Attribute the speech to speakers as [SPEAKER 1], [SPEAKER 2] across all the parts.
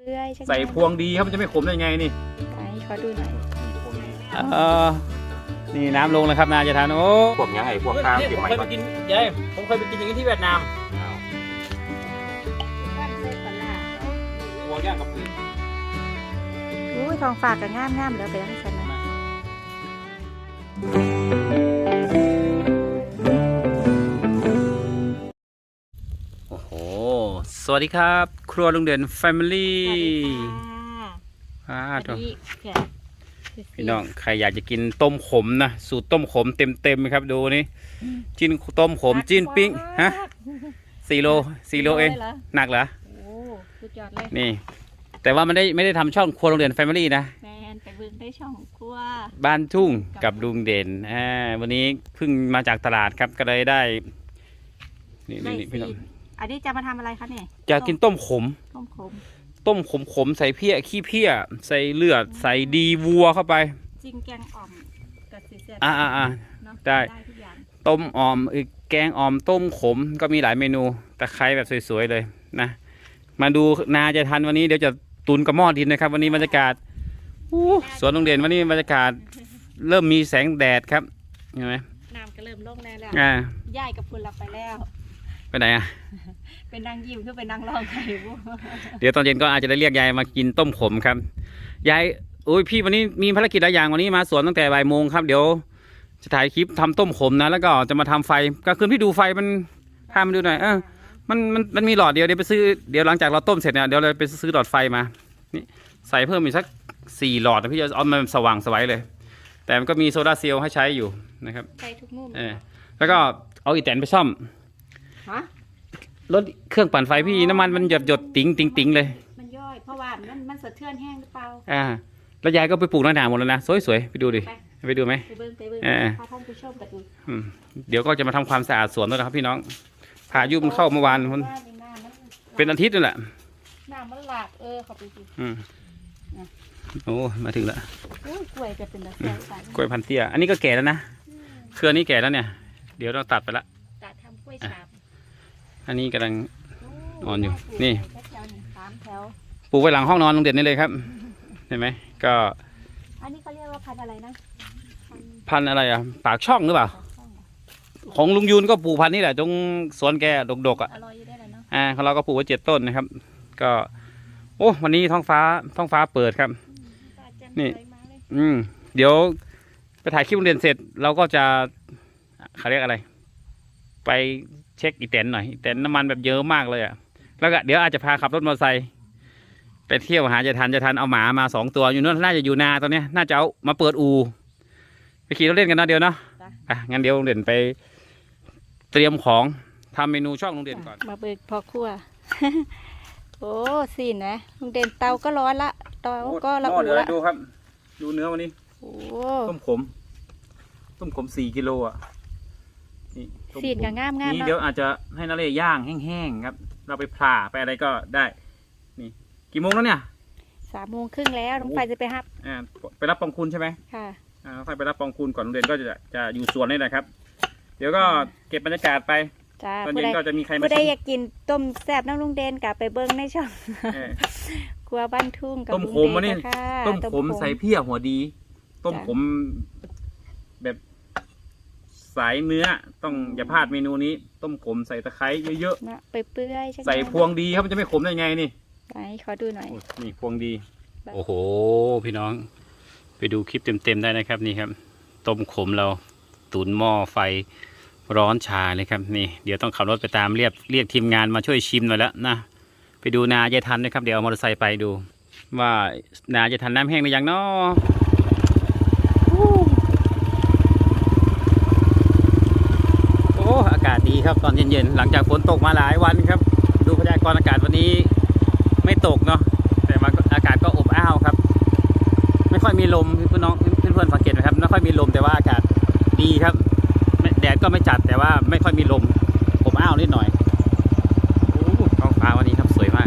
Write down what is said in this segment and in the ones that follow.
[SPEAKER 1] ใส่พวงดีครับมันจะไม่ขมได้ไงนี่
[SPEAKER 2] ขอดูหน่อย
[SPEAKER 1] นี่น้ำลงแล้วครับนาจะทานโอ้
[SPEAKER 3] พวกยังไงพวกข้าวเก็บใหม่ก่อน
[SPEAKER 1] ผมเคยไปกินอย่างนี้ที่เวียดนามพวงย่างกับปืน
[SPEAKER 2] อุ้ยทองฝากกับง่ามๆเดี๋ยวไปให้ฉันนะ
[SPEAKER 1] โอ้โหสวัสดีครับครัวลุงเด่น Family พี่น้องใครอยากจะกินต้มขมนะสูตรต้มขมเต็มๆครับดูนี่จิ้นต้มขมจิ้นปิ้งฮะ4 โลเองหนักเหรอ
[SPEAKER 2] โอ้สุดยอดเลย
[SPEAKER 1] นี่แต่ว่ามันไม่ได้ทำช่องครัวลุงเด่น Family นะ
[SPEAKER 2] แมนไปเบิ่งได้ช่องครัว
[SPEAKER 1] บ้านทุ่งกับลุงเด่นวันนี้เพิ่งมาจากตลาดครับก็เลยได้นี่พี่น้อง
[SPEAKER 2] อันนี้จะมาทำอะไรคะเนี่ย
[SPEAKER 1] จะกินต้มขมใส่เพี้ยขี้เพี้ยใส่เลือดใส่ดีวัวเข้าไป
[SPEAKER 2] จริงแกงอ่อมกับซีเซ่
[SPEAKER 1] ได้ต้มอ่อมแกงอ่อมต้มขมก็มีหลายเมนูตะไคร้แบบสวยๆเลยนะมาดูนาจะทันวันนี้เดี๋ยวจะตุนกระหม้อดินนะครับวันนี้บรรยากาศสวนโรงเรียนวันนี้บรรยากาศเริ่มมีแสงแดดครับเห็นไหม
[SPEAKER 2] น้ำก็เริ่มลงแล้วย่ายกับฝุ่นเราไปแล้ว
[SPEAKER 1] ไปไหน
[SPEAKER 2] เป็นนางยิ้มคือเป็นนางร้องไห้
[SPEAKER 1] เดี๋ยวตอนเย็นก็อาจจะได้เรียกยายมากินต้มขมครับยายโอ้ยพี่วันนี้มีภารกิจหลายอย่างวันนี้มาสวนตั้งแต่บ่ายโมงครับเดี๋ยวจะถ่ายคลิปทำต้มขมนะแล้วก็จะมาทำไฟกลางคืนพี่ดูไฟมันพามาดูหน่อยมันมีหลอดเดียวเดี๋ยวไปซื้อเดี๋ยวหลังจากเราต้มเสร็จเนี่ยเดี๋ยวเราไปซื้อหลอดไฟมานี่ใส่เพิ่มอีกสัก4 หลอดนะพี่จะเอามันสว่างสวยเลยแต่มันก็มีโซดาเซลล์ให้ใช้อยู่นะครับ
[SPEAKER 2] ใช้ทุกมุม
[SPEAKER 1] แล้วก็เอาอีแตนไปซ่อมรถเครื่องปั่นไฟพี่น้ำมันมันหยดติ๋งเลย
[SPEAKER 2] มันย่อยเพราะว่ามันสะเทือนแห้งหรือเปล่า
[SPEAKER 1] แล้วยายก็ไปปลูกหน้าหมดแล้วนะสวยๆไปดูดิไปดูไหม
[SPEAKER 2] ไปเบิ้งพาท่านผู้ชมกันดู
[SPEAKER 1] เดี๋ยวก็จะมาทำความสะอาดสวนด้วยนะครับพี่น้องพายุมันเข้าเมื่อวานมันเป็นอาทิตย์นั่นแหละ
[SPEAKER 2] น้ำมันหลากเขาไปดู
[SPEAKER 1] โอ้มาถึงแล้ว
[SPEAKER 2] กล้วยจะเป็นแบบ
[SPEAKER 1] กล้วยพันเตี้ยอันนี้ก็แก่แล้วนะเครือนี้แก่แล้วเนี่ยเดี๋ยวเราตัดไปละ
[SPEAKER 2] ตัดทำกล้วยฉาบ
[SPEAKER 1] อันนี้กำลังอ่อนอยู่นี่ปลูกไว้หลังห้องนอนลุงเด่นนี่เลยครับเห็นไหมก็
[SPEAKER 2] อันนี้เขาเรียกว่าพันอะไรนะ
[SPEAKER 1] พันอะไรปากช่องหรือเปล่าของลุงยูนก็ปลูกพันนี่แหละตรงสวนแกดกๆของเราก็ปลูกไว้7 ต้นนะครับก็โอ้วันนี้ท้องฟ้าเปิดครับนี่เดี๋ยวไปถ่ายคลิปลุงเด่นเสร็จเราก็จะเขาเรียกอะไรไปเช็คอีแตนหน่อยแต่น้ำมันแบบเยอะมากเลยแล้วก็เดี๋ยวอาจจะพาขับรถมอเตอร์ไซค์ไปเที่ยวหาจะทันเอาหมามา2 ตัวอยู่นู่นน่าจะอยู่นาตอนนี้น่าจะเอามาเปิดอูไปขี่รถเล่นกันนะเดี๋ยวเนาะงั้นเดี๋ยวลุงเด่นไปเตรียมของทำเมนูช่องลุงเด่นก่อน
[SPEAKER 2] มาเบิกพอครัวโอ้สินะลุงเด่นเตาก็ร้อนละเตาก็ระอุละ
[SPEAKER 1] ดูครับดูเนื้อวันนี้ต้มขม4 กิโลนี่
[SPEAKER 2] สีดกับง่าม
[SPEAKER 1] นี่เดี๋ยวอาจจะให้นาเล่ย่างแห้งๆครับเราไปผ่าไปอะไรก็ได้นี่กี่โมงแล้วเนี่ย
[SPEAKER 2] 3 โมงครึ่งแล้วน้องไฟจะไปรับ
[SPEAKER 1] ไปรับปองคุณใช่ไหม
[SPEAKER 2] ค่ะ
[SPEAKER 1] ไฟไปรับปองคุณก่อนโรงเรียนก็จะอยู่สวนนี่แหละครับเดี๋ยวก็เก็บบรรยากาศไปตอนเย็นก็จะมีใครมา
[SPEAKER 2] ผู้ใดอยากกินต้มแซ่บน้ำลุงเด่นกลับไปเบิ้งในช่องครัวบ้านทุ่งกับ
[SPEAKER 1] ต้มขมนี่ต้มขมใส่เพี้ยหัวดีต้มขมแบบสายเนื้อต้องอย่าพลาดเมนูนี้ต้มขมใส่ตะไคร้เยอะ
[SPEAKER 2] ๆไปเปื่อย
[SPEAKER 1] ใส่พวงดีครับมันจะไม่ขมได้ไงนี่
[SPEAKER 2] ขอดูหน่อย
[SPEAKER 1] นี่พวงดีโอ้โหพี่น้องไปดูคลิปเต็มๆได้นะครับนี่ครับต้มขมเราตุ๋นหม้อไฟร้อนชาเลยครับนี่เดี๋ยวต้องขับรถไปตามเรียกทีมงานมาช่วยชิมหน่อยแล้วนะไปดูนาจะทันนะครับเดี๋ยวเอามอเตอร์ไซค์ไปดูว่านาจะทันน้ำแห้งหรือยังเนาะอากาศดีครับตอนเย็นๆหลังจากฝนตกมาหลายวันครับดูพยากรณ์อากาศวันนี้ไม่ตกเนาะแต่อากาศก็อบอ้าวครับไม่ค่อยมีลมเพื่อนสังเกตไหมครับไม่ค่อยมีลมแต่ว่าอากาศดีครับแดดก็ไม่จัดแต่ว่าไม่ค่อยมีลมอบอ้าวนิดหน่อยท้องฟ้าวันนี้ครับสวยมาก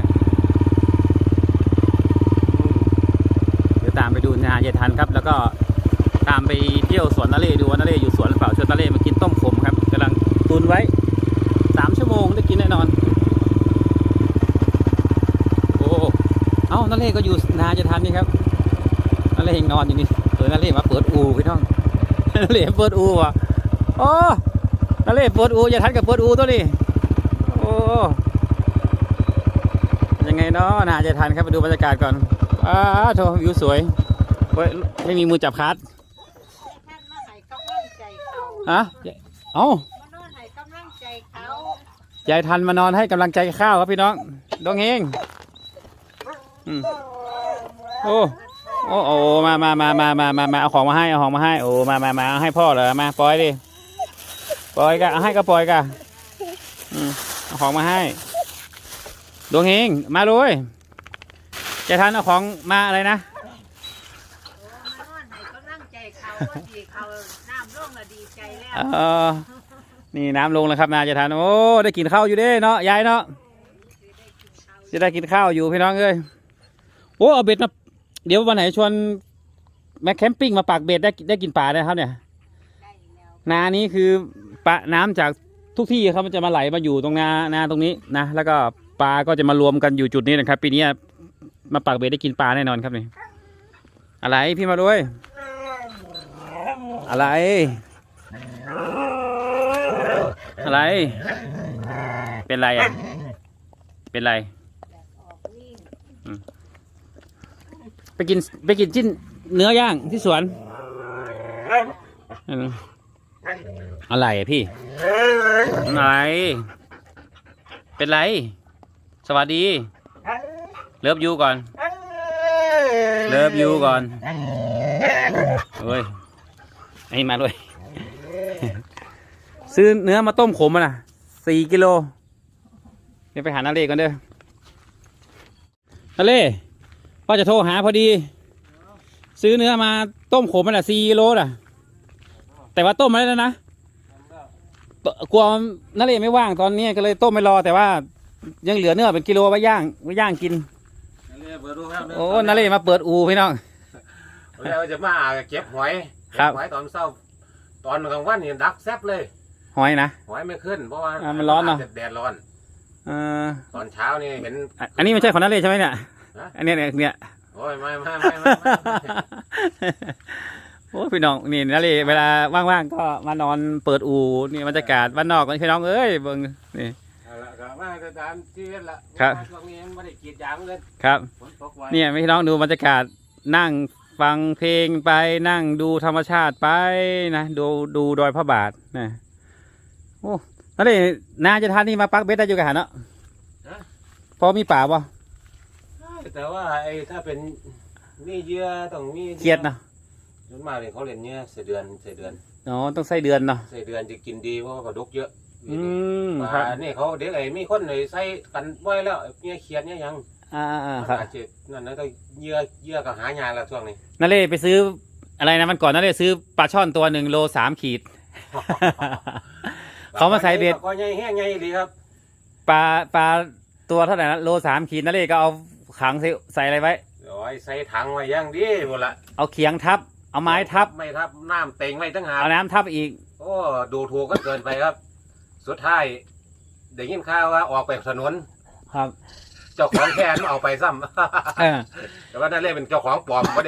[SPEAKER 1] เดี๋ยวตามไปดูนาเยทันครับแล้วก็ตามไปเที่ยวสวนนาเล่ดูว่านาเล่อยู่สวนหรือเปล่าชวนนาเล่มากินต้มขมครับกำลังตุนไว้3 ชั่วโมงได้กินแน่นอนโอ้านั่นเล่ก็อยู่นาจะทันนี่ครับนั่นเล่ยังนอนอยู่นี่นั่นเล่มาเปิดอูพี่น้องนั่นเล่เปิดอูว่ะโอ้นั่นเล่เปิดอูจะทันกับเปิดอูตัวนี้โอ้ยังไงเนาะนาจะทันครับไปดูบรรยากาศก่อนโถวิวสวยไม่มีมือจับคัดฮะเอ้ายายทันมานอนให้กำลังใจข้าวครับพี่น้องดองเฮงโอ้โอ้มาเอาของมาให้โอ้มาเอาให้พ่อเหรอมาปล่อยดิปล่อยกะเอาให้ก็ปล่อยกะเอาของมาให้ดวงเฮงมาเลยยายทันเอาของมาอะไรนะนี่น้ำลงแล้วครับนายจะทานโอ้ได้กินข้าวอยู่เด้เนาะยายเนาะจะได้กินข้าวอยู่พี่น้องเอ้ยโอ้เอาเบ็ดมาเดี๋ยววันไหนชวนแม็กแคมปิ้งมาปักเบ็ดได้กินปลาได้ครับเนี่ยนานี้คือปลาน้ำจากทุกที่ครับมันจะมาไหลมาอยู่ตรงนาตรงนี้นะแล้วก็ปลาก็จะมารวมกันอยู่จุดนี้นะครับปีนี้มาปักเบ็ดได้กินปลาแน่นอนครับนี่อะไรพี่มาด้วยอะไรเป็นไรอ่ะเป็นไรไปกินจิ้นเนื้อย่างที่สวนอะไรอ่ะพี่อะไรเป็นไรสวัสดีเลิฟยูก่อนเลิฟยูก่อนเฮ้ยไอ้มาด้วยซื้อเนื้อมาต้มขมมา4 กิโลเดี๋ยวไปหานาเล่ก่อนเด้อนาเล่พ่อจะโทรหาพอดีซื้อเนื้อมาต้มขมมา4 กิโลแต่ว่าต้มมาแล้วนะกลัวนาเล่ไม่ว่างตอนนี้ก็เลยต้มไม่รอแต่ว่ายังเหลือเนื้อเป็นกิโลไว้ย่างกินโอ้นาเล่มาเปิดอูพี่น้อง
[SPEAKER 3] เราจะมาเก็บหอยตอนเช้าตอนกลางวันนี่ดักแซ่บเลย
[SPEAKER 1] หอยนะ
[SPEAKER 3] หอยไม่ขึ้นเพราะว่า
[SPEAKER 1] มันร้อนเนาะ
[SPEAKER 3] แดดร้อนตอนเช้านี่เห็น
[SPEAKER 1] อันนี้ไม่ใช่ของนาเล่ใช่ไหมเนี่ยอันนี้เนี่ย
[SPEAKER 3] โอ้ยไม่
[SPEAKER 1] โอ้พี่น้องนี่นาเล่เวลาว่างๆก็มานอนเปิดอูนี่บรรยากาศบ้านนอกกันพี่น้องเอ้ยเบิ่งนี่
[SPEAKER 3] มาตามที่ละ
[SPEAKER 1] ครับ
[SPEAKER 3] ช่วงนี้ไม่ได้กีดยางเลย
[SPEAKER 1] ครับเนี่ยพี่น้องดูบรรยากาศนั่งฟังเพลงไปนั่งดูธรรมชาติไปนะดูดอยพระบาทนะโอ้นั่นเลยนาจะทานนี่มาปักเบ็ดได้อยู่กันเนาะพอมีป่าป่ะ
[SPEAKER 3] แต่ว่าไอ้ถ้าเป็นนี่เยื่อต้องมี
[SPEAKER 1] เกียดเนาะ
[SPEAKER 3] ส่วนมากเลยเขาเล่นเนี่ยใส่เดือน
[SPEAKER 1] อ๋อต้องใส่เดือนเนาะ
[SPEAKER 3] ใส่เดือนจะกินดีเพราะว่ากระดกเยอะ
[SPEAKER 1] ครับ
[SPEAKER 3] นี่เขาเด็กไอ้ไม่คนเลยใส่กันบ่อยแล้วเนี่ยเขียดเนี่ยยัง
[SPEAKER 1] ครับ
[SPEAKER 3] นั่นนะต้องเยื่อกับหายาแล้วช่วงนี้
[SPEAKER 1] นั่นเลยไปซื้ออะไรนะมันก่อนนั่นเลยซื้อปลาช่อนตัว1 โล 3 ขีดเขามาใส่เบ็ด
[SPEAKER 3] ก็ใหญ่แห้งใหญ่ดีครับ
[SPEAKER 1] ปลาตัวเท่าไหร่นะโล 3 ขีดนั่นเลยก็เอาขังใส่อะไรไว้
[SPEAKER 3] ใส่ถังไว้ย่างดีหมดละ
[SPEAKER 1] เอาเขียงทับเอาไม้ทับ
[SPEAKER 3] ไม่ทับน้ำเต็งไว้ตั้งหาก
[SPEAKER 1] เอาน้ำทับอีก
[SPEAKER 3] โอ้ดูถูกก็เกินไปครับสุดท้ายได้ยินข่าวว่าออกไปถนน
[SPEAKER 1] ครับ
[SPEAKER 3] เจ้าของแค่นั้นเอาไปซ้ำแต่ว่านั่นเรียกเป็นเจ้าของปลอมบ่ได้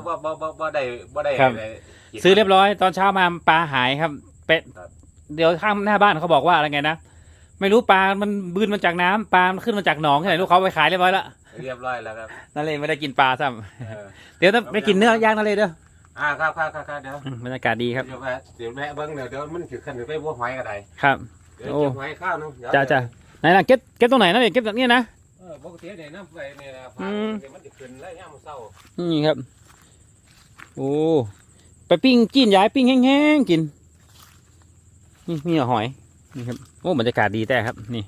[SPEAKER 1] ซื้อเรียบร้อยตอนเช้ามาปลาหายครับเป็ดเดี๋ยวข้างหน้าบ้านเขาบอกว่าอะไรไงนะไม่รู้ปลามันบืนมาจากน้ำปลามันขึ้นมาจากหนองที่ไหนลูกเขาไปขายเรียบร้อยแล้วนั่นเลยไม่ได้กินปลาซ้ำเดี๋ยวต้องไปกินเนื้อย่างนั่นเลยเด้อ
[SPEAKER 3] ครับเดี๋ยว
[SPEAKER 1] บรรยากาศดีครับ
[SPEAKER 3] เดี๋ยวแม่เบิ้งเดี๋ยวมันถือขันไปบัวหอยกันได้
[SPEAKER 1] ครับ
[SPEAKER 3] เดี๋ยวเก็บหอยข้าวนึง
[SPEAKER 1] จ้าไหนล่ะเก็บตรงไหนนั่นเองเก็บแบบนี้นะ
[SPEAKER 3] ปกติเนี่ยน้ำไฟเนี่ยมันจะขึ้นแล้วย่ามเศร้า
[SPEAKER 1] นี่ครับโอ้ไปปิ้งจีนย้ายปิ้งแห้งๆกินนี่หอยนี่ครับโอ้บรรยากาศดีแต่ครับนี่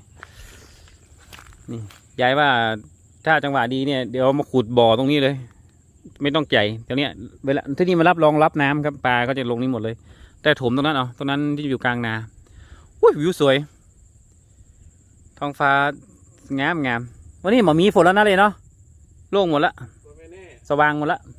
[SPEAKER 1] ย้ายว่าถ้าจังหวะดีเนี่ยเดี๋ยวมาขุดบ่อตรงนี้เลยไม่ต้องใจเดี๋ยวนี้เวลาที่นี่มารองรับน้ำครับปลาก็จะลงนี่หมดเลยแต่ถมตรงนั้นตรงนั้นที่อยู่กลางนาอุ้ยวิวสวยท้องฟ้างามวันนี้หมอมีฝนแล้วนะเลยเนาะโล่งหมดละสว่างหมดละ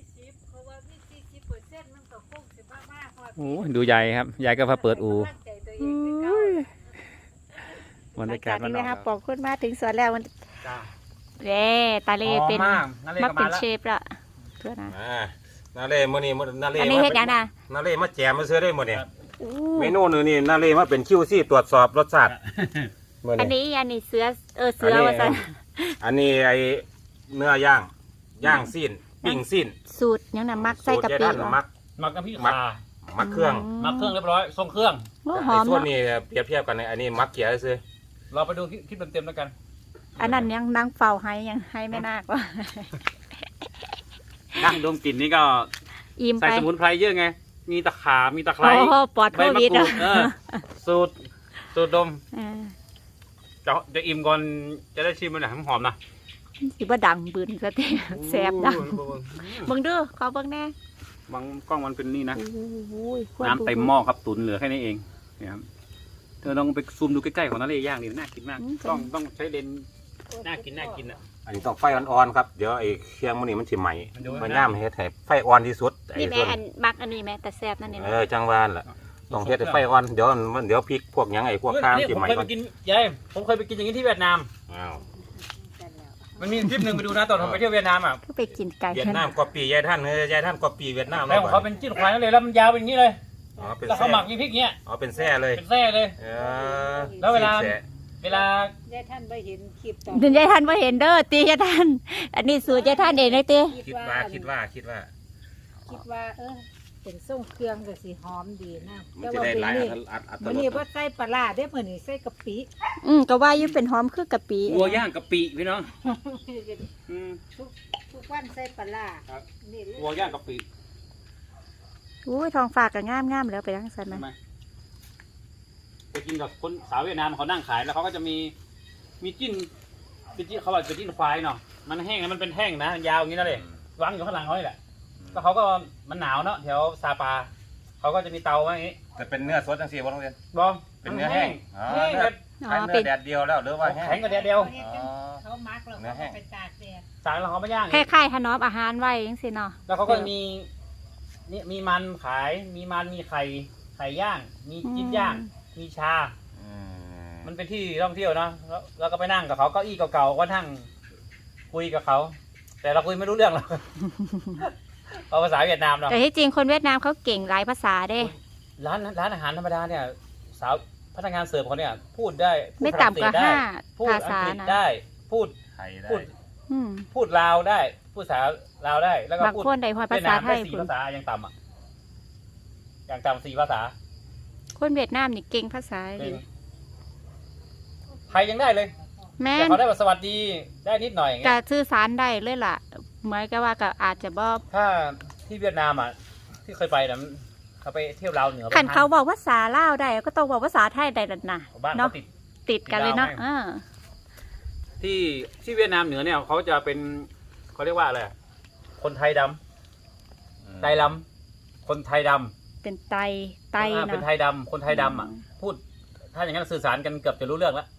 [SPEAKER 1] โอ้ดูใหญ่ครับใหญ่ก็พาเปิดอูบรรยากาศมัน
[SPEAKER 2] นะครับปอกขึ้นมาถึงสวนแล้วมันเด้ตาเล่เป็น
[SPEAKER 1] หอมมากนาเล่
[SPEAKER 2] มา
[SPEAKER 1] ก็
[SPEAKER 2] เป็
[SPEAKER 1] มาน แล้ว
[SPEAKER 2] เชฟละเพื่อนนะ
[SPEAKER 3] นาเล่มื้อนี้นาเล่
[SPEAKER 2] อันนี้เฮ็ดหยังนะ
[SPEAKER 3] นาเล่มาแจมมาซื้อได้หมดเนี่ย
[SPEAKER 2] อู้
[SPEAKER 3] เมนูนี่นาเล่มาเป็นคิวซี่ตรวจสอบรสชาติมื้อ
[SPEAKER 2] อัน
[SPEAKER 3] นี้
[SPEAKER 2] นี้เสือเสือว่าซั่น
[SPEAKER 3] อันนี้ไอเนื้อย่างซีนปิ้งซีน
[SPEAKER 2] สูตรหยังน่ะมักใส่กะ
[SPEAKER 3] สูตร
[SPEAKER 2] ปิ
[SPEAKER 3] ยายท่าน
[SPEAKER 2] เหรอ
[SPEAKER 3] มัก
[SPEAKER 1] หมักกับพี่
[SPEAKER 3] มั
[SPEAKER 1] ขาก
[SPEAKER 3] มักเครื่อง
[SPEAKER 1] มักเครื่องเรียบร้อยทรงเครื่อง
[SPEAKER 2] โอ้หอม
[SPEAKER 3] ไส่วน
[SPEAKER 2] เนาะ
[SPEAKER 3] นี้เปรียบเทียบกันในอันนี้มักเขียซื้อ
[SPEAKER 1] เราไปดูคลิปเต็มๆแล้วกัน
[SPEAKER 2] อันนั้นยังนางเฝ้าให้ยังให้แม่นาคว่า
[SPEAKER 1] นั่งดมกลิ่นนี่ก็
[SPEAKER 2] อิ่ม
[SPEAKER 1] ใส่
[SPEAKER 2] ไป
[SPEAKER 1] สมุนไพรเยอะไง มีตะขามีตะไคร้
[SPEAKER 2] โอ้โหปลอด
[SPEAKER 1] ใบ
[SPEAKER 2] โค
[SPEAKER 1] มะ
[SPEAKER 2] วิด
[SPEAKER 1] กรู
[SPEAKER 2] อ่ะ
[SPEAKER 1] ดสูตรดม
[SPEAKER 2] เออ
[SPEAKER 1] จะอิ่มก่อนจะได้ชิมมันหน่อยหอมๆนะ
[SPEAKER 2] สิบ่ดังบืนซะติแซ่บดังเบิ่งเด้อขอเบิ่งแน่
[SPEAKER 1] บางกล้องมันเป็นนี่นะ
[SPEAKER 2] โอ้ยควร
[SPEAKER 1] น้ำเต็มหม้อครับตุ๋นเหลือแค่นี้เองเนี่ยครับเธอลองไปซูมดูใกล้ๆของนาเล่ย่างดิน่ากินมากต้องใช้เลนส์น่ากินอ่ะ
[SPEAKER 3] อันนี้ต้องไฟอ่อนๆครับเดี๋ยวไอ้เครื่องมันนี่มันสิไหม้
[SPEAKER 1] มันดู
[SPEAKER 3] มัน
[SPEAKER 1] นะ
[SPEAKER 3] ย่ามเฮ็ดให้ไฟอ่อนที่สุดไอ้
[SPEAKER 2] นี่แม่
[SPEAKER 3] ส่วน
[SPEAKER 2] อันมักอันนี้แม่แต่แซ่บนั่นนี่
[SPEAKER 3] จังหวานล่ะต้องเฮ็ดให้ไฟอ่อนเดี๋ยวพริกพวกหยังไอ้พวกข้าว
[SPEAKER 1] นี่
[SPEAKER 3] สิ
[SPEAKER 1] ผม
[SPEAKER 3] ไหม้
[SPEAKER 1] เคย
[SPEAKER 3] ก่
[SPEAKER 1] ไป
[SPEAKER 3] อน
[SPEAKER 1] กินยายผมเคยไปกินอย่างนี้ที่เวียดนาม
[SPEAKER 3] อ้าว
[SPEAKER 1] มันมีคลิปหนึ่งไปดูนะตอนผมไปเที่ยวเวียดนามอ่ะ
[SPEAKER 2] ก็ไปกินไก่
[SPEAKER 3] เวียดนามกว่าปียายท่านยายท่านกว่าปีเวียดนาม
[SPEAKER 1] แล้วของเขาเป็นจิ้นควายนั่นเลยแล้วมันยาวเป็นอย่างนี้เลย
[SPEAKER 3] อ๋อเป็น
[SPEAKER 1] แล้ว
[SPEAKER 3] แซ่
[SPEAKER 1] เขาหมักมีพริกเนี้ย
[SPEAKER 3] อ๋อเป็นแซ่เลย
[SPEAKER 1] เป็นแท้เลย
[SPEAKER 3] เออ
[SPEAKER 1] แล้วเวลา
[SPEAKER 3] แซ่
[SPEAKER 1] เวลา
[SPEAKER 4] ยายท่านไปเห็นคลิปตอน
[SPEAKER 2] ถึงยายท่านบ่เห็นเด้อตียายท่านอันนี้สูตรยายท่านเองเลยตี
[SPEAKER 3] คิดว่า
[SPEAKER 4] คิดว่าเป็นส่งเครื่องก็สิหอมดีนะ
[SPEAKER 3] มัน
[SPEAKER 4] แต่
[SPEAKER 3] จะ
[SPEAKER 4] ว่า
[SPEAKER 3] ได้
[SPEAKER 4] เป็น
[SPEAKER 3] หลาย
[SPEAKER 4] นี่
[SPEAKER 3] อัต
[SPEAKER 4] มัน
[SPEAKER 3] ร
[SPEAKER 4] นี่
[SPEAKER 3] ส
[SPEAKER 4] ว่าใส่ปลาร้าได้อมื้อนี้ใส่กะปิ
[SPEAKER 2] ก็ว่าอยู่เป็นหอมคือกะปิ
[SPEAKER 1] วัวย่างกะปิพี่น้องอืม
[SPEAKER 4] ทุกวันใส่ปลาร้า
[SPEAKER 1] ครับ
[SPEAKER 4] นี่เลย
[SPEAKER 1] วัวย่างกะปิ
[SPEAKER 2] อุ้ยทองฝากก็งามๆแล้วไปทางซั่น
[SPEAKER 1] ใช่
[SPEAKER 2] นะ
[SPEAKER 1] ไหมไปกินกับคนสาวเวียดนามเขานั่งขายแล้วเขาก็จะมีจิ้นเขาบอกเป็นจิ้นควายเนาะมันแห้งนะมันเป็นแท่งนะยาวอย่างนี้นั่นเลยวางอยู่ข้างหลังเขานี่แหละแล้วเขาก็มันหนาวเนาะแถวซาปาเขาก็จะมีเตาไว้อย่างนี้
[SPEAKER 3] แต่เป็นเนื้อสดจังซี่บ่ต้องเรียน
[SPEAKER 1] บอม
[SPEAKER 3] เป็นเนื้อแห้งอ๋อ
[SPEAKER 1] แห้ง
[SPEAKER 3] เนื้
[SPEAKER 1] เล
[SPEAKER 3] อย ขายเนื้อแดดเดียวแล้วหรือว่าแห้ง
[SPEAKER 1] แข็งกว่าเดียว
[SPEAKER 3] อ๋อ
[SPEAKER 4] เขามักแล้วเขาก็ไปตากแดด
[SPEAKER 1] สายแล้วเขาไม่ย่าง
[SPEAKER 2] คล้ายๆถนอมอาหารไว้จังซี่เนาะ
[SPEAKER 1] แล้วเขาก็มีนี่มีมันขายมีมันมีไข่ย่าง มีจิ้นย่าง มีชา
[SPEAKER 3] อืม
[SPEAKER 1] มันเป็นที่ท่องเที่ยวเนาะแล้วก็ไปนั่งกับเขาเก้าอี้เก่าๆก็นั่งคุยกับเขา แต่เราคุยไม่รู้เรื่องหรอก เอาภาษาเวียดนามเนาะ
[SPEAKER 2] แต่ที่จริงคนเวียดนามเขาเก่งหลายภาษาเด้
[SPEAKER 1] ร้านอาหารธรรมดาเนี่ย สาวพนักงานเสิร์ฟเขาเนี่ย พูดได้พูด
[SPEAKER 2] ไม่
[SPEAKER 1] ฝรั่ง
[SPEAKER 2] ต่ำกว่า
[SPEAKER 1] เศสได้ พูด
[SPEAKER 2] 5 ภา
[SPEAKER 1] อัง
[SPEAKER 2] ษาก
[SPEAKER 1] ฤษ
[SPEAKER 2] นะ
[SPEAKER 1] ได้ พูด
[SPEAKER 3] ไข่ได้
[SPEAKER 1] พูด
[SPEAKER 2] อืม
[SPEAKER 1] พูดลาวได้ พูดภาษาลาวได้ แล้วก็
[SPEAKER 2] บาง
[SPEAKER 1] พูด
[SPEAKER 2] คนได้ฮอดภา
[SPEAKER 1] เวียด
[SPEAKER 2] ษาน
[SPEAKER 1] าม
[SPEAKER 2] ไท
[SPEAKER 1] ได้
[SPEAKER 2] ย
[SPEAKER 1] สี่
[SPEAKER 2] พุ่น
[SPEAKER 1] ภาษาอย่างต่ำอ่ะอย่างต่ำ4 ภาษา
[SPEAKER 2] คนเวียดนามนี่เก่งภาษา
[SPEAKER 1] จริ
[SPEAKER 2] ดี
[SPEAKER 1] งไทยยังได้เลย
[SPEAKER 2] แม่
[SPEAKER 1] แต่
[SPEAKER 2] น
[SPEAKER 1] เขาได้แบบสวัสดีได้นิดหน่อยอย่าง
[SPEAKER 2] ก็
[SPEAKER 1] เงี้ย
[SPEAKER 2] สื่อสารได้เลยล่ะเหมือนกับว่าก็อาจจะบ่
[SPEAKER 1] ถ้าที่เวียดนามอ่ะที่เคยไปนะเขาไปเที่ยวลาวเหนือ
[SPEAKER 2] คันเขาบอกภาษาลาวได้ก็ต้องบอกภาษาไทยได้นั่นน่ะ
[SPEAKER 1] บ้าน
[SPEAKER 2] เนาะ
[SPEAKER 1] เขาติด
[SPEAKER 2] ติดกันเลยเนาะ
[SPEAKER 1] ติดลาวไหม ที่เวียดนามเหนือเนี่ยเขาจะเป็นเขาเรียกว่าอะไรอะคนไทยดำไทยดำคนไทยดำ
[SPEAKER 2] เป็นไตไต
[SPEAKER 1] เป็น
[SPEAKER 2] เนาะ
[SPEAKER 1] ไทยดำคนไทยดำอ่ะ พูด ถ้าอย่างนั้นสื่อสารกันเกือบจะรู้เรื่องแล้ว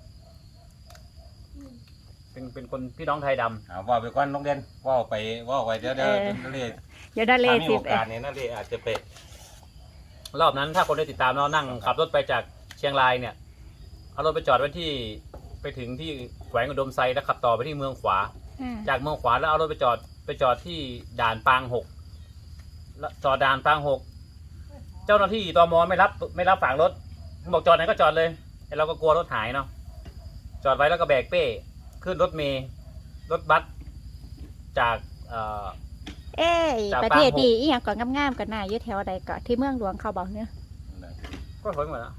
[SPEAKER 1] เป็นคนพี่น้องไทยดำ
[SPEAKER 3] เอาว่าไปก่อนน้องเด่นว่าไปเดี๋ยวนั่นเลย
[SPEAKER 2] เดี๋ยวได้เล
[SPEAKER 3] ถ้าย มี
[SPEAKER 2] สิ
[SPEAKER 3] โอกาสเนี่ยนั่นเลยอาจจะไป
[SPEAKER 1] รอบนั้นถ้าคนได้ติดตามเรานั่งขับรถไปจากเชียงรายเนี่ยเอารถไปจอดไว้ที่ไปถึงที่แขวงอุดมไซแล้วขับต่อไปที่เมืองขวา จากเมืองขวาแล้วเอารถไปจอดที่ด่านปาง6แล้วจอดด่านปาง6เจ้าหน้าที่ตมไม่รับฝากรถบอกจอดไหนก็จอดเลยแต่เราก็กลัวรถหายเนาะจอดไว้แล้วก็แบกเป้ขึ้นรถเมล์รถบัสจาก
[SPEAKER 2] เอ้ย
[SPEAKER 1] จาก
[SPEAKER 2] ประเทศ
[SPEAKER 1] ปางหก
[SPEAKER 2] ดีอีหยังก็งามๆกันน่ะอยู่แถวใดก็ที่เมืองหลวงเขาบอกเนี่ย
[SPEAKER 1] ก็สวยหมดแล้ว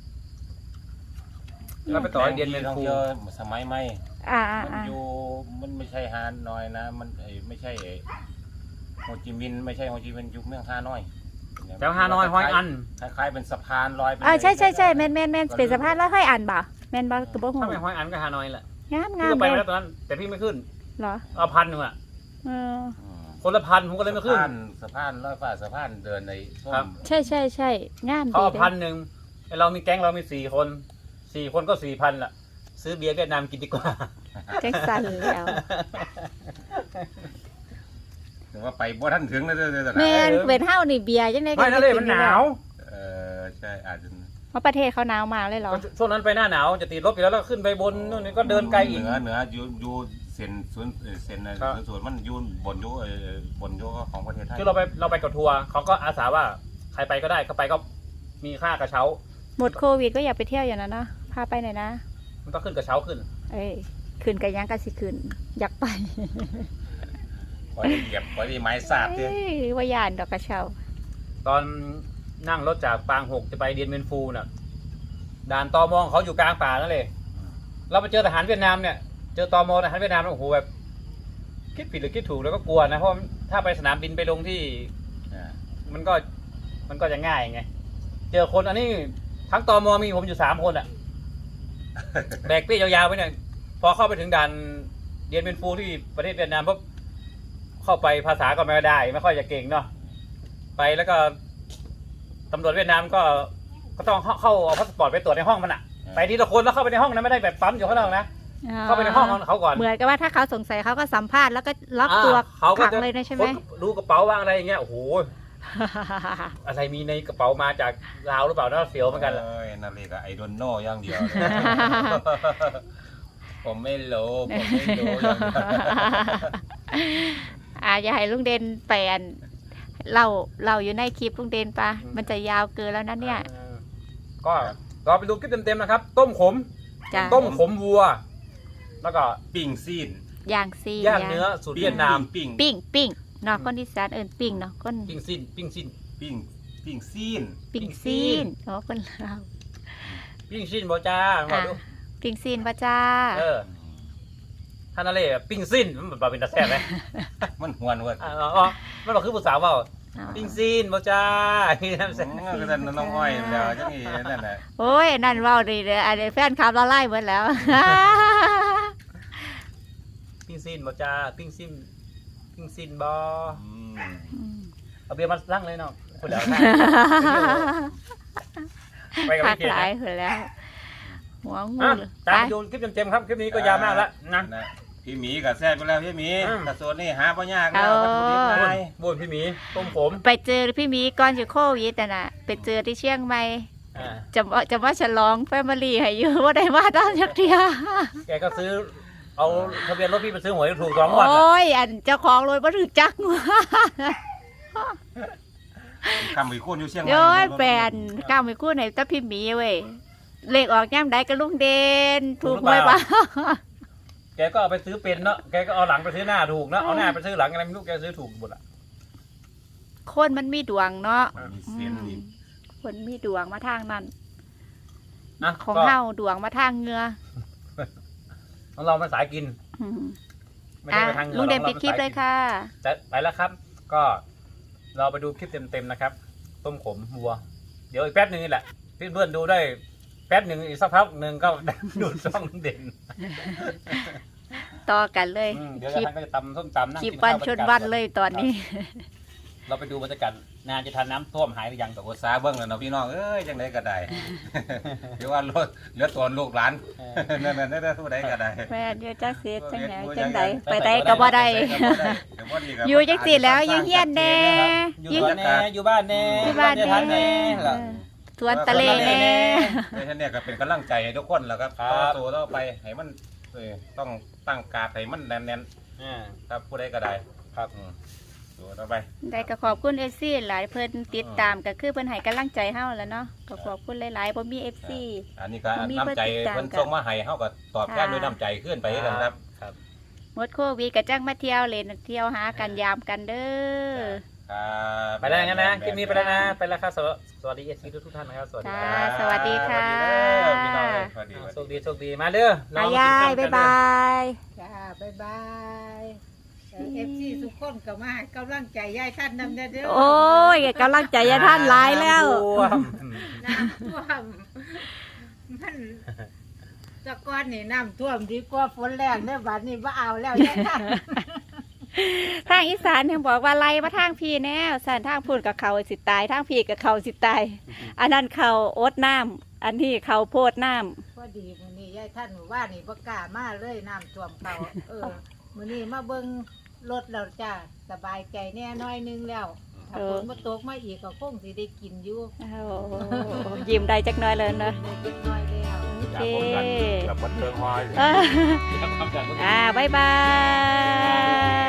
[SPEAKER 1] แล้วไปต่อเดียนเมน
[SPEAKER 3] ท่อง
[SPEAKER 1] คู
[SPEAKER 3] เที่ยวสมัยใหม่ มัน
[SPEAKER 2] ๆ
[SPEAKER 3] อยู่มันไม่ใช่ฮานอยนะ มันไม่ใช่โฮจิมินห์ไม่ใช่โฮจิมินห์อยู่เมืองฮานอย
[SPEAKER 1] แถวฮานอยฮอยอัน
[SPEAKER 3] คล้ายๆเป็นสะพานลอยไป
[SPEAKER 2] ใช่แม่นเป็นสะพานแล้วค่อยอ่านบ่แม่นบ่ก็บ่ฮู้
[SPEAKER 1] ถ้าไม่ฮอยอันก็ฮานอยแหละ
[SPEAKER 2] งาม
[SPEAKER 1] พี่
[SPEAKER 2] งาม
[SPEAKER 1] ก็ไป
[SPEAKER 2] เล
[SPEAKER 1] มาย แล้วตอนนั้น แต่พี่ไม่ขึ้น
[SPEAKER 2] เหรอ
[SPEAKER 1] เอา1,000อ่ะ
[SPEAKER 2] เออ
[SPEAKER 1] คนละ1,000ผมก็เลยไม่ขึ้น
[SPEAKER 3] สะพานลอยฟ้าสะพานเดินในส้
[SPEAKER 1] ครับ
[SPEAKER 3] ม
[SPEAKER 2] ใช่งาม
[SPEAKER 1] เขา
[SPEAKER 2] ดี
[SPEAKER 1] เอา
[SPEAKER 2] เด้
[SPEAKER 1] 1,000ไอ้เรามีแก๊งเรามี4 คนก็4,000ล่ะ ซื้อเบียร์เวียดนามกินดีกว่า
[SPEAKER 2] จังสั่นแล้ว
[SPEAKER 3] ถึงว่าไปบ่ทันถึงเลยเด้อ
[SPEAKER 2] แม่นเป็นเฮานี่เบียร์จังได๋
[SPEAKER 1] ไม่นั่นเลยมันหนาว
[SPEAKER 3] ใช่อาจจะ
[SPEAKER 2] เพราะประเทศเขาหนาวมากเลยเหรอ
[SPEAKER 1] ช่วงนั้นไปหน้าหนาวจะติดลบอยู่แล้วแล้วขึ้นไปบนนู่นนี่ก็เดินไกลอีก
[SPEAKER 3] เหนืออยู่เซ็นสวนเซ็นสวนมันยูนบนยูบนยูของประเทศไทย
[SPEAKER 1] คือเราไปกับทัวร์เขาก็อาสาว่าใครไปก็ได้เขาไปก็มีค่ากระเช้า
[SPEAKER 2] หมดโควิดก็อย่าไปเที่ยวอย่างนั้นนะพาไปหน่อยนะ
[SPEAKER 1] มันต้องขึ้นกระเช้าขึ้น
[SPEAKER 2] เอ้ยคืนกันยังกันสิคืนอยากไป
[SPEAKER 3] ขอได้เหยียบขอได้ไม้สาบเนี่ย
[SPEAKER 2] เอ้ยว่าย่านดอกกระเช้า
[SPEAKER 1] ตอนนั่งรถจากปางหกจะไปเดียนเมนฟูน่ะด่านตมเขาอยู่กลางป่านั่นเลยเราไปเจอทหารเวียดนามเนี่ยเจอตมทหารเวียดนามโอ้โหแบบคิดผิดหรือคิดถูกแล้วก็กลัวนะเพราะถ้าไปสนามบินไปลงที่มันก็จะง่ายไงเจอคนอันนี้ทั้งตมมีผมอยู่3 คนอ่ะ แบกเป้ยาวๆไปเนี่ยพอเข้าไปถึงด่านเดียนเมนฟูที่ประเทศเวียดนามปุ๊บเข้าไปภาษาก็ไม่ได้ไม่ค่อยจะเก่งเนาะไปแล้วก็ตำรวจเวียดนามก็ต้องเข้าเอาพาสปอร์ตไปตรวจในห้องมันอ่ะไปทีละคนแล้วเข้าไปในห้องนะไม่ได้แบบปั๊มอยู่ข้างนอกนะเข้าไปในห้องเขาก่อน
[SPEAKER 2] เหมือนกับว่าถ้าเขาสงสัยเขาก็สัมภาษณ์แล้วก็ล็อกตัวขังเลยนะใช่ไหม
[SPEAKER 1] ดูกระเป๋าว่างอะไรอย่างเงี้ยโอ้โห อะไรมีในกระเป๋ามาจากลาวหรือเปล่าน่าเสียวเหมือนกันแหละ
[SPEAKER 3] นั่นเลยก็ไอดอนโน่อย่างเดียว ผมไม่รู้อย่างเดียว
[SPEAKER 2] อย่าให้ลุงเด่นแปลนเราอยู่ในคลิปลุงเด่นปะมันจะยาวเกินแล้วนะเนี่ย
[SPEAKER 1] ก็เราไปดูคลิปเต็มๆนะครับ ต้มขม
[SPEAKER 2] จ้ะ
[SPEAKER 1] ต้มขมวัว แล้วก็
[SPEAKER 3] ปิ้งซีน
[SPEAKER 2] ย่างซี
[SPEAKER 1] ย่างเนื้อสูตรเวียดนาม
[SPEAKER 3] ปิ้ง
[SPEAKER 2] เนาะคนที่สานเอิญปิ้งเนาะคน
[SPEAKER 1] ปิ้งซินปิ้งซิน
[SPEAKER 3] ปิ้งซีน
[SPEAKER 2] ปิ้งซีนเนาะคนลาว
[SPEAKER 1] ปิ้งซินบ่จ้าบอกดู
[SPEAKER 2] ปิ้งซีนปะจ้า
[SPEAKER 1] ท่านอะไรปิ้งซินมันแบบเป็นตาแซ่บไหม
[SPEAKER 3] มันหวนเว้ย
[SPEAKER 1] มันบอกคือผู้สาวเปล่าปิ้งซินบ่จ้าพี่น้ำแซ่บ
[SPEAKER 3] ก็จะน้องอ้อยเดี๋ยวจังงี้นั่นแหละ
[SPEAKER 2] โอ้ยนั่นเว่าดีเลยอันนี้แฟนคลับเราไล่หมดแล้ว
[SPEAKER 1] ปิ้งซินบ่จ้าปิ้งซินบ่เอาเบียร์มาลั่งเลยเนาะคนเดียวไปกับ
[SPEAKER 2] หัก
[SPEAKER 1] พี่เกีย
[SPEAKER 2] ห
[SPEAKER 1] ร
[SPEAKER 2] ลาย
[SPEAKER 1] ติ
[SPEAKER 2] หมดแล้วหัวงู
[SPEAKER 1] นะ
[SPEAKER 2] เลย
[SPEAKER 1] ตาม
[SPEAKER 2] ไป
[SPEAKER 1] ไปดูคลิปเต็มๆครับคลิปนี้ก็ยาวมากแล้วนะ
[SPEAKER 3] พี่หมีกับแซ่บไปแล้วพี่หมีกระสวนนี่หาปัญญาแล้ววัตถุดิบง่าย
[SPEAKER 1] บุญพี่หมีต้มผม
[SPEAKER 2] ไปเจอพี่หมีก่อนจะโควิดน่ะไปเจอที่เชียงใหม่จะว่าฉลองแฟมิลี่ให้อยู่ว่าได้มาตอนยักเดียว
[SPEAKER 1] แกก็ซื้อเอาทะเบียนรถพี่ไปซื้อหวยถูก2 วัน
[SPEAKER 2] โอ้ยอันเจ้าของรถบ่ถึกจักว่า
[SPEAKER 3] คำวิคุณอยู่เชียงใหม่
[SPEAKER 2] โย้ยแฟนก้าวไม่คู่ไหนตะพี่หมีเว้ยเลขออกย่ำใดก็ลุงเด่นถูกหวยป่ะ
[SPEAKER 1] แกก็เอาไปซื้อเป็นเนาะแกก็เอาหลังไปซื้อหน้าถูกเนาะเอาหน้าไปซื้อหลังอะไรไม่รู้แกซื้อถูกหมดอ่ะ
[SPEAKER 2] คนมันมีดวงเนาะ
[SPEAKER 3] มีเสียงนี่
[SPEAKER 2] คนมีดวงมาทางนั้น
[SPEAKER 1] นะ
[SPEAKER 2] ของ
[SPEAKER 1] ก็
[SPEAKER 2] เฮาดวงมาทางเหงือ
[SPEAKER 1] ของเรามันสายกิน
[SPEAKER 2] อืม
[SPEAKER 1] ไม่ได้ไปทางเหนือ
[SPEAKER 2] ลุงเด่น
[SPEAKER 1] รา
[SPEAKER 2] ปิดคลิปเลยค่ะ
[SPEAKER 1] จะไปแล้วครับ ก็เราไปดูคลิปเต็มๆนะครับ ต้มขมวัว เดี๋ยวอีกแป๊บนึงนี่แหละเพื่อนๆดูได้แป๊บหนึ่งอีกสักพักหนึ่งก็ ดูดช่องลุงเด่น
[SPEAKER 2] ต่อกันเลย
[SPEAKER 1] เดี๋ยว
[SPEAKER 2] คลิป
[SPEAKER 1] ท่านก็จะตำส้มตำนั่ง
[SPEAKER 2] คลิป
[SPEAKER 1] กิ
[SPEAKER 2] วัน
[SPEAKER 1] ข้าว
[SPEAKER 2] ชนวันเลยตอนนี้
[SPEAKER 1] เราไปดูบรรยากาศนานจะทานน้ำท่วมหายหรือยัง
[SPEAKER 3] ตกซาเบิ้งแล้วเนาะพี่น้องเอ้ยจังไดก็ได้หรือว่ารถเหลือตัวลูกหลานนั่นๆได้ผู้ใดก็ได้
[SPEAKER 2] แม่เดี๋ยวจะเสียจังไหนจังใดไปได้ก็บ่ได้
[SPEAKER 3] อ
[SPEAKER 2] อยู่จังสิแล้วอยู่เฮียนแน่
[SPEAKER 1] อยู่บ้านแน่อยู่บ้านแน่
[SPEAKER 2] ที่บ้าน
[SPEAKER 1] จะทาน
[SPEAKER 2] แน่
[SPEAKER 1] แน่
[SPEAKER 2] สวนทะเลแน่
[SPEAKER 3] ในท่านเนี่ยก็เป็นกำลังใจให้ทุกคนแล้วครับ
[SPEAKER 1] ครับ
[SPEAKER 3] ต่อสู้ต่อไปให้มันต้องตั้งการให้มันแน่นๆครับผู้ใดก็ได้ครับสู้ต่อไป
[SPEAKER 2] ได้ก็ขอบคุณ FC หลายเพิ่นติดตามก็คือเพิ่นให้กำลังใจเฮาแล้วเนาะก็ขอบคุณหลายๆบ่มี FC
[SPEAKER 3] อันนี้ก็น้ำใจเพิ่นส่งมาให้เฮาก็ตอบแทนด้วยน้ำใจขึ้นไปกันครับ
[SPEAKER 2] หมดโควิดก็จังมาเที่ยวเล่นเที่ยวหากันยามกันเด้อ
[SPEAKER 1] ไปแล้วงั้นนะคลิปนี้ไปแล้วนะไปแล้วครับสวัสดีเอฟซีทุกท่านนะครับสวัสดีค
[SPEAKER 2] จ้า
[SPEAKER 1] รับ
[SPEAKER 2] สวัสดีค่ะ
[SPEAKER 3] พี่น้องสวัสดี
[SPEAKER 1] โชคดีโชคดีมาเด้อ
[SPEAKER 2] อายายบ๊ายบาย
[SPEAKER 4] จ้าบ๊ายบายFC ทุกคนก็มาให้กำลังใจยายท่านนำเด้อ
[SPEAKER 2] โอ้ยกำลังใจยายท่านหลายแล้ว
[SPEAKER 4] น้ำท่วมมันแตะก้อนนี่น้ำท่วมดีกว่าฝนแรงเด้อบัดนี้บ่เอาแล้วยายท่าน
[SPEAKER 2] ทางอีสานยังบอกว่าไล่มาทางพี่แน่สันทางพูดกับเขาสิตายทางพี่กับเขาสิตายอันนั้นเขาอดน้ำอันนี้เขาโพดน้ำ
[SPEAKER 4] พอดีมื้อนี้ยายท่านว่านี่บ่กล้ามาเลยน้ำท่วมเขามื้อนี้มาเบิ่งรถแล้วจ้าสบายใจแน่น้อยนึงแล้วถ้าฝนบ่ตกมาอีกก็คงสิได้กินอยู่
[SPEAKER 2] โอ้ยิ้มได้จักหน้อยเลยเนอะ
[SPEAKER 4] ได้เล็กน้อยแล้ว
[SPEAKER 2] เค
[SPEAKER 3] แบบบันเทิงฮอย
[SPEAKER 2] บ๊ายบาย